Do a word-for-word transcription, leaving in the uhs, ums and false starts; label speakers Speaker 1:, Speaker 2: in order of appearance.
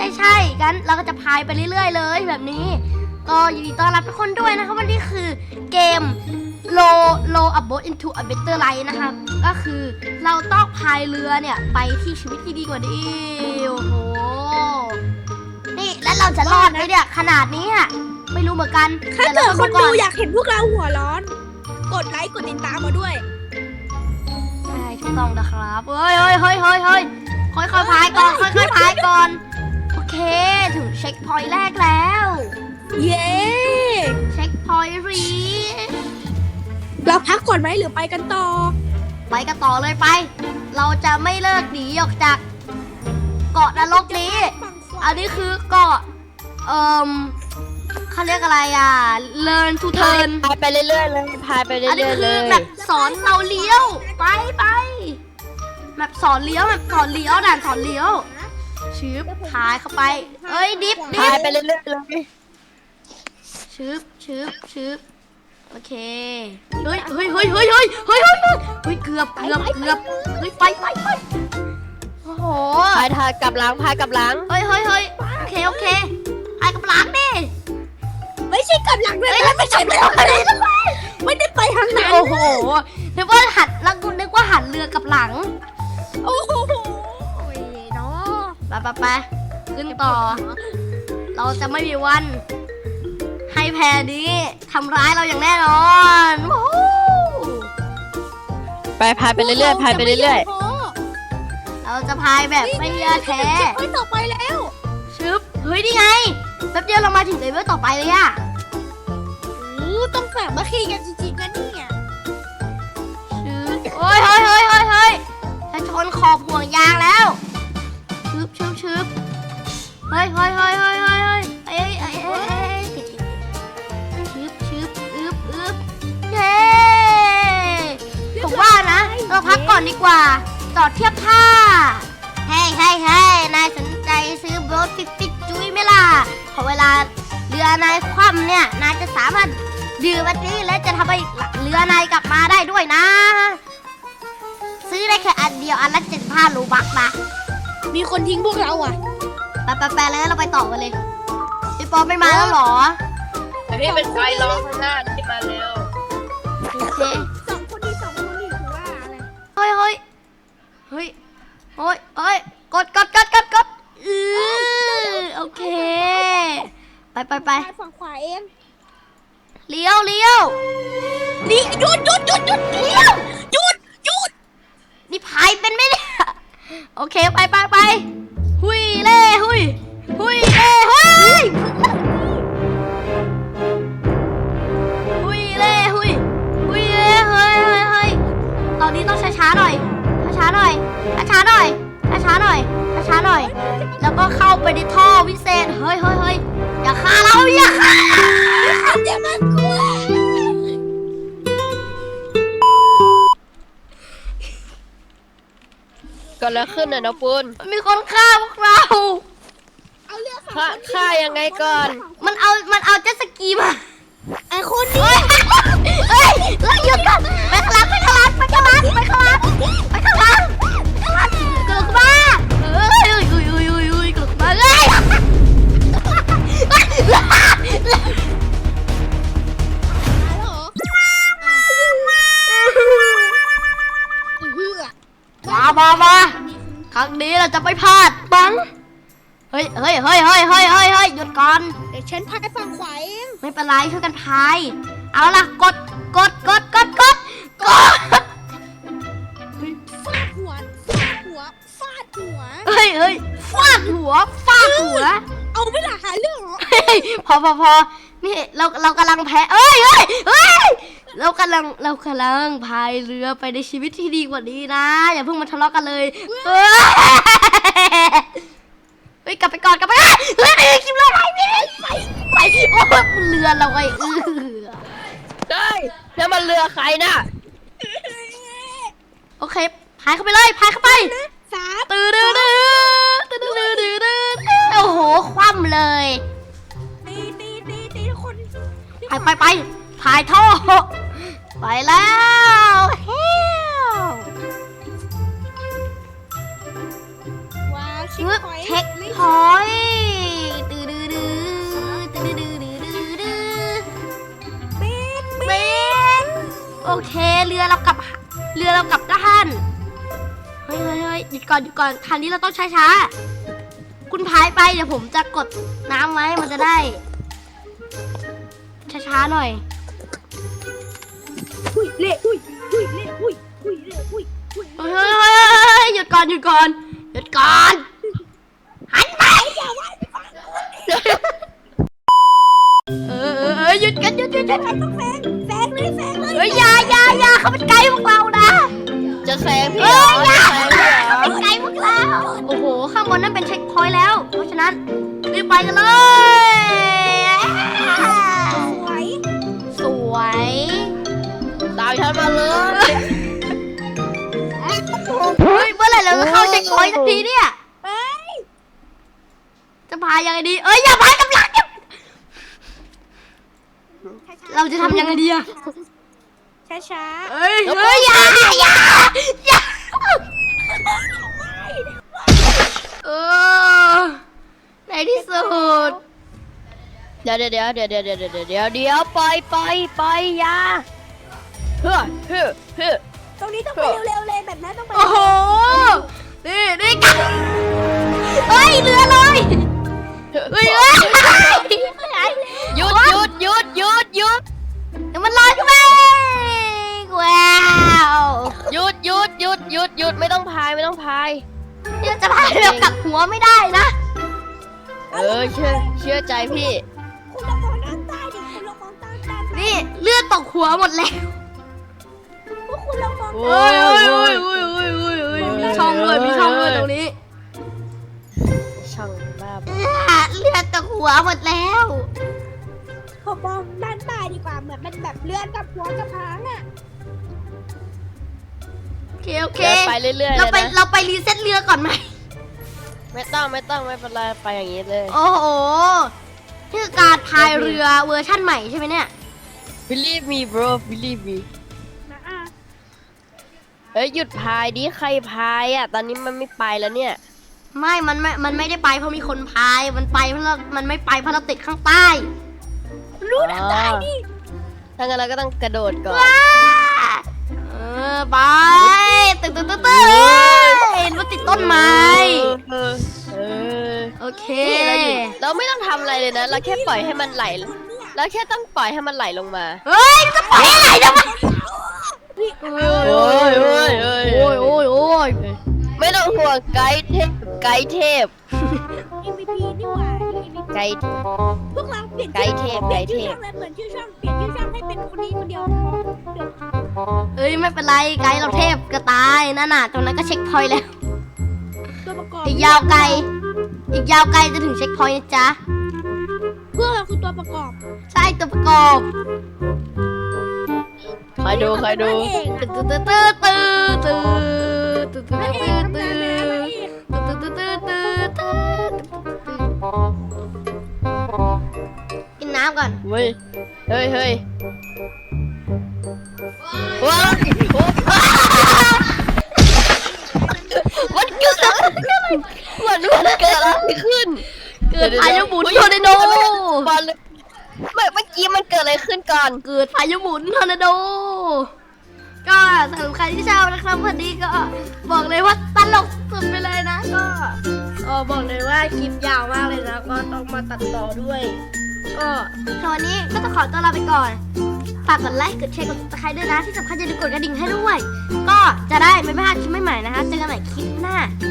Speaker 1: ช่ใช่งั้นเราก็จะพายไปเรื่อยๆเลยแบบนี้ก็ยินดีต้อนรับทุกคนด้วยนะคะวันนี้คือเกม Row Row a boat into a better life นะคะก็คือเราต้องพายเรือเนี่ยไปที่ชีวิตที่ดีกว่านี้โอ้โหนี่แล้วเราจะรอดไหมเนี่ยขนาดนี้อะไม่รู้เหมือนกัน
Speaker 2: ถ้าเกิดคนดูอยากเห็นพวกเราหัวร้อนกดไลค์กดติดตามมาด้วย
Speaker 1: ใช่ถูกต้องนะครับเฮ้ยเฮ้ยเฮ้ยเฮ้ยเฮ้ยค่อยๆพายก่อนค่อยๆพายก่อนโอเคถึงเช็คพอยต์แรกแล้ว
Speaker 2: เย้
Speaker 1: เช็คพอยต์รี
Speaker 2: เราพักก่อนไหมหรือไปกันต่อ
Speaker 1: ไปกันต่อเลยไปเราจะไม่เลิกหนีออกจากเกาะนรกนี้อันนี้คือเกาะเอ่อเขาเรียกอะไรอ่ะ learn to turn
Speaker 3: พายไปเรื่อยๆเลยพายไปเรื่อยๆเลยอันนี้คือ
Speaker 1: แบบสอนเราเลี้ยวไปไปแบบสอนเลี้ยวแบบสอนเลี้ยวด่านสอนเลี้ยวชืบพายเข้าไปเอ้ยดิฟดิฟ
Speaker 3: พายไปเรื่อยๆเลย
Speaker 1: ชืบชืบชืบโอเคเฮ้ยเฮ้ยเฮ้ยเฮ้ยเฮ้ยเฮ้ยเฮ้ยเฮ้ยเกือบเกือบเกือบเฮ้ยไปไปไปโอ้โห
Speaker 3: พายทายกับหลังพายกับหลัง
Speaker 1: เฮ้ยเฮ้ยเฮ้ยโอเคโอเคพายกับหลังดิ
Speaker 2: ไม่ใช่กับหลังเลยไม่ใช่ไม่ได้ไม่ได้ไปทางนั้น
Speaker 1: โอ้โหนึกว่าหันแล้วกูนึกว่าหันเรือกับหลัง
Speaker 2: โอ้โหเนาะ
Speaker 1: ไปไปไปขึ้นต่อเราจะไม่มีวันให้แพนี้ทำร้ายเราอย่างแน่นอน
Speaker 3: ไปพายไปเรื่อยๆพายไปเรื่อย
Speaker 1: ๆเราจะพายแบบไม่ยอแท้
Speaker 2: ไปต่อไปแล้ว
Speaker 1: ชึบเฮ้ยนี่ไงแป๊บเดียวเรามาถึงเลเวลต่อไปเลยอะ
Speaker 2: ต้องแบบมาขี่กันจริงๆนะเนี่ย
Speaker 1: โอ้ยเฮ้ยเฮ้ยเฮ้ยเฮ้ยจะชนขอบห่วงยางแล้วชึบชึบชึบเฮ้ยเฮ้ยเฮ้ยเฮ้ยเฮ้ยเฮ้ยเอ้ยเอ้ยเอ้ยชึบชึบอึบอึบเย้ผมว่านะเราพักก่อนดีกว่าจอดเทียบท่าเฮ้ยเฮ้ยเฮ้ยนายสนใจซื้อโบ๊ทปิ๊กปิ๊กจุ้ยไหมล่ะพอเวลาเรือนายคว่ำเนี่ยนายจะสามารถดื่มอันนี้และจะทำให้เรือนายกลับมาได้ด้วยนะซื้อได้แค่อันเดียวอันละเจ็ดพันรูบักนะ
Speaker 2: มีคนทิ้งพวกเราอ่ะ
Speaker 1: ไปไปไปแล้วเราไปต่อกันเลยพี่ปอไม่มาแล้วหรอ
Speaker 3: นี่เป็นไฟร้องข้างหน้าที่มาเร็ว
Speaker 1: โอเค
Speaker 2: สองคนนี้สองคนนี้คือว่าอะไร
Speaker 1: เฮ้ยเฮ้ยเฮ้ยเฮ้ยเฮ้ยกดกดกดกดกดอือโอเคไปไปไป
Speaker 2: ฝั่งขวาเอง
Speaker 1: เลี้ยวเลี้ยว
Speaker 2: นี่หยุดหยุดหยุดหยุดเลี้ยวหยุดหยุด
Speaker 1: นี่พายเป็นไหมเนี่ยโอเคไปไปไปหุยเล่หุยหุยเล่หุยหุยเล่หุยหุยเล่เฮ้ยเฮ้ยเฮ้ยตอนนี้ต้องช้าช้าหน่อยช้าหน่อยช้าหน่อยช้าหน่อยช้าหน่อยแล้วก็เข้าไปในท่อวิเศษเฮ้ยเฮ้ยเฮ้ยอย่าฆ่าเราอย่าฆ่า
Speaker 2: อย่ามากลัว
Speaker 3: ก็แล้วขึ้นน่ะน้องปุณ
Speaker 1: มีคนฆ่าพวกเรา
Speaker 2: เอาเรือ
Speaker 3: ฆ่าฆ่ายังไงก่อน
Speaker 1: มันเอามันเอาเจ็ตสกีมา
Speaker 2: ไอ้คนนี้
Speaker 1: เฮ้ยเราหยุดก่อนไปข้างหลังไปข้างหลังไปข้างหลังไปข้างหลังไปข้างหลังข้างหลังกลับมาเฮ้ยอุ้ยอุ้ยอุ้ยอุ้ยอุ้ยกลับมาเลยมามามาครั้งนี้เราจะไม่พลาดบังเฮ้ยเฮ้ยเฮ้ยเฮ้ยเฮ้ยเฮ้ยเฮ้ยหยุดก่อน
Speaker 2: เดี๋ยวฉันพายฝั่งขวาเอง
Speaker 1: ไม่เป็นไรช่วยกันพายเอาล่ะกดกดกดกดกดกด
Speaker 2: ฟาดหัวฟาดหัวฟาดหัว
Speaker 1: เฮ้ยเฮ้ยฟาดหัวฟาดหัว
Speaker 2: เอาไม่หล่ะหาเรื่องเหรอ
Speaker 1: พอพอพอนี่เราเรากำลังแพ้เอ้ยเฮ้ยเฮ้ยเรากำลังเรากำลังพายเรือไปในชีวิตที่ดีกว่านี้นะอย่าเพิ่งมาทะเลาะกันเลยเฮ้ยกลับไปก่อนกลับไปเฮ้ยเฮ้ยคิมเราไปไปไปโอ้เรือเราไอ้เออ
Speaker 3: ได้แล้วมันเรือใครน่ะ
Speaker 1: โอเคพายเข้าไปเลยพายเข้าไป
Speaker 2: สา
Speaker 1: ตื่นตื่นตื่นตื่นตื่นตื่นโอ้โหคว่ำเลย
Speaker 2: ตีตีตีตีทุกคน
Speaker 1: ไปไปไปพายท่อไปแล้วเฮ้ย
Speaker 2: ว้าวเช็คพอยต์
Speaker 1: เช็คพอยต์เคเรือเรากลับเรือเรากลับด้านเฮ้ยเฮ้ยเฮ้ยหยุดก่อนหยุดก่อนทางนี้เราต้องช้าๆคุณพายไปเดี๋ยวผมจะกดน้ำไว้มันจะได้ช้าๆหน่อย
Speaker 2: อุ้ยเละอุ้ยอุ้ยเละอุ้ยอุ้ยเละอุ้ยอุ้ย
Speaker 1: เฮ้ยเฮ้ยเฮ้ยเฮ้ยหยุดก่อนหยุดก่อนหยุดก่อนหันไปอย่าว่าเออเออเออหยุดกันหยุดหยุดหยุด
Speaker 2: ต้องแซงแซงเลยแซงเลย
Speaker 1: เฮ้ยอย่าอย่าอย่าเขาเป็นไกด์พวกเรานะ
Speaker 3: จะแซงพี่
Speaker 1: เฮ้
Speaker 3: เหร
Speaker 1: ย
Speaker 3: อ
Speaker 1: อย่า
Speaker 3: จะแซงพี่เหรอ
Speaker 1: เป็นไกด์พวกเราโอ้โหข้างบนนั่นเป็นเช็คพอยต์แล้ว เพราะฉะนั้นรีบไปกันเลย
Speaker 2: สวย
Speaker 1: สวย
Speaker 3: ตามฉันมาเลย
Speaker 1: เฮ้ยเมื่อไหร่เราจะเข้าเช็คพอยต์สักทีเนี่ย
Speaker 2: ไป
Speaker 1: จะพายยังไงดีเอ้ยอย่าพายกับหลังเราจะทำยังไงดีอะ
Speaker 2: ช้าช้า
Speaker 1: เฮ้ยเฮ้ยอย่าอย่าอย่าเออในที่สุด
Speaker 3: เดี๋ยวเดี๋ยวเดี๋ยวเดี๋ยวเดี๋ยวเดี๋ยวเดี๋ยวเดี๋ยวเดี๋ยวไปไปไปอยาเฮ้อเฮ้อเฮ้อ
Speaker 2: ตรงนี้ต้องไปเร็วๆเลยแบบนั้นต้องไป
Speaker 1: โอ้โหนี่นี่กันเฮ้ยเรือเลยเฮ้ยเฮ้ย
Speaker 3: หยุดหยุดหยุดหยุดหยุด
Speaker 1: เดี๋ยวมันลอยขึ้นมาว้าว
Speaker 3: หยุดหยุดหยุดหยุดหยุดไม่ต้องพายไม่ต้องพาย
Speaker 1: เดี๋ยวจะพายเรือกลับหัวไม่ได้นะ
Speaker 3: เออเชื่อเชื่อใจพี่
Speaker 2: คุณลองมองด้านใต้ดิคุณลองมองด้านใต้
Speaker 1: นี่เลือดตกหัวหมดแล้ว
Speaker 2: พวกคุณลองมอง
Speaker 3: โอ้ยโอ้ยโอ้ยโอ้ย
Speaker 1: โอ้ยโอ้ยโอ้ยมีช่องด้วยมีช่องด้วยตรงนี้
Speaker 3: ช่างบ้าบอ
Speaker 1: อ่ะเลือดตกหัวหมดแล้ว
Speaker 2: ผมมองด้านใต้ดีกว่าเหมือนมันแบบเลื่อนกับหัวกับหางอ่ะ
Speaker 1: โอเคโอเค
Speaker 3: เดินไปเรื่อยๆเล
Speaker 1: เรา
Speaker 3: ย
Speaker 1: ไป
Speaker 3: นะ
Speaker 1: เราไปรีเซ็ตเรือก่อนไหม
Speaker 3: ไม่ต้องไม่ต้องไม่เป็นไรไปอย่างนี้เลย
Speaker 1: โอ้โหนี่คือการพายเรือเวอร์ชั่นใหม่ใช่ไหมเนี่ย
Speaker 3: believe me bro believe me
Speaker 2: นะอ่ะ
Speaker 3: เฮ้ยหยุดพายดิใครพายอ่ะตอนนี้มันไม่ไปแล้วเนี่ย
Speaker 1: ไม่ มันไม่ มันไม่ได้ไปเพราะมีคนพาย มันไปเพราะเรามันไม่ไปเพราะเราติดข้างใต้
Speaker 2: รู้ด้านใต้ดิ
Speaker 3: ถ้างั้นเราก็ต้องกระโดดก่อน
Speaker 1: ว้าเออไปตึ๊ดตึ๊ดตึ๊ดตึ๊ดเห็นว่าติดต้นไม้
Speaker 3: เออเออ
Speaker 1: โอเค
Speaker 3: นี่เราอยู่เราไม่ต้องทำอะไรเลยนะ เราแค่ปล่อยให้มันไหลเราแค่ต้องปล่อยให้มันไหลลงมา
Speaker 1: เฮ้ยมันจะปล่อยให้ไหลทำไมโอ้ย
Speaker 3: โอ้ยโอ้ยโอ้ย
Speaker 1: โอ้ยโอ้ยโอ้ย
Speaker 3: ไม่ต้องห่วงไกด์เทพไกด์เทพ
Speaker 2: เอ็ม วี พี นี่หว่า เอ็ม วี พี
Speaker 3: ไกด์
Speaker 2: พวกเราเปลี่ยน
Speaker 3: ไกด์เทพ
Speaker 2: เปลี่ยน
Speaker 3: ไกด์เท
Speaker 2: ชื่อ
Speaker 3: พ
Speaker 2: ช่องเลยเปลี่ยนชื่อช่องเปลี่ยนชื่อช่องให้เป็นคนนี้คนเดียวเดี๋ยว
Speaker 1: เอ้ยไม่เป็นไรไกด์เราเทพกระตายนั่นน่ะตรงนั้นก็เช็คพอยต์แล้ว
Speaker 2: ตัวประกอบ
Speaker 1: อีกยาวไกล อีกยาวไกลจะถึงเช็คพอยต์นะจ๊ะ
Speaker 2: พวกเราคือตัวประกอบ
Speaker 1: ใช่ตัวประกอบ
Speaker 3: ใครดูใครดู
Speaker 2: เองอะ
Speaker 1: ตื้อตื้อตื้อตื้อตื้อตื้อตื้อ
Speaker 2: พระเอ
Speaker 1: ตื้
Speaker 2: ก
Speaker 1: อ
Speaker 2: ทำ
Speaker 1: ตื้
Speaker 2: งาน
Speaker 1: อ
Speaker 2: นะพระเอก
Speaker 1: ตื้อตื้อตื้อตื้อกินน้ำก่อน
Speaker 3: เฮ้ยเฮ้ยเฮ้ยว้าวมันเกิดอะไรมันมันเกิดอะไรขึ้น
Speaker 1: เกิดพายุหมุนทอร์นาโด
Speaker 3: บอลเลยเมื่อเมื่อกี้มันเกิดอะไรขึ้นก่อน
Speaker 1: เกิดพายุหมุนทอร์นาโด ก็สำหรับใครที่ชอบนะครับวันนี้ก็บอกเลยว่าตลกสุดไปเลยนะ ก็เออบอกเลยว่าคลิปยาวมากเลยนะ ก็ต้องมาตัดต่อด้วย ก็สำหรับวันนี้ก็ต้องขอตัวลาไปก่อน ฝากกดไลค์ กดแชร์ กด ซับสไครบ์ ด้วยนะ ที่สำคัญอย่าลืมกดกระดิ่งให้ด้วย ก็จะได้ไม่พลาดคลิปใหม่ๆนะคะ เจอกันใหม่คลิปหน้า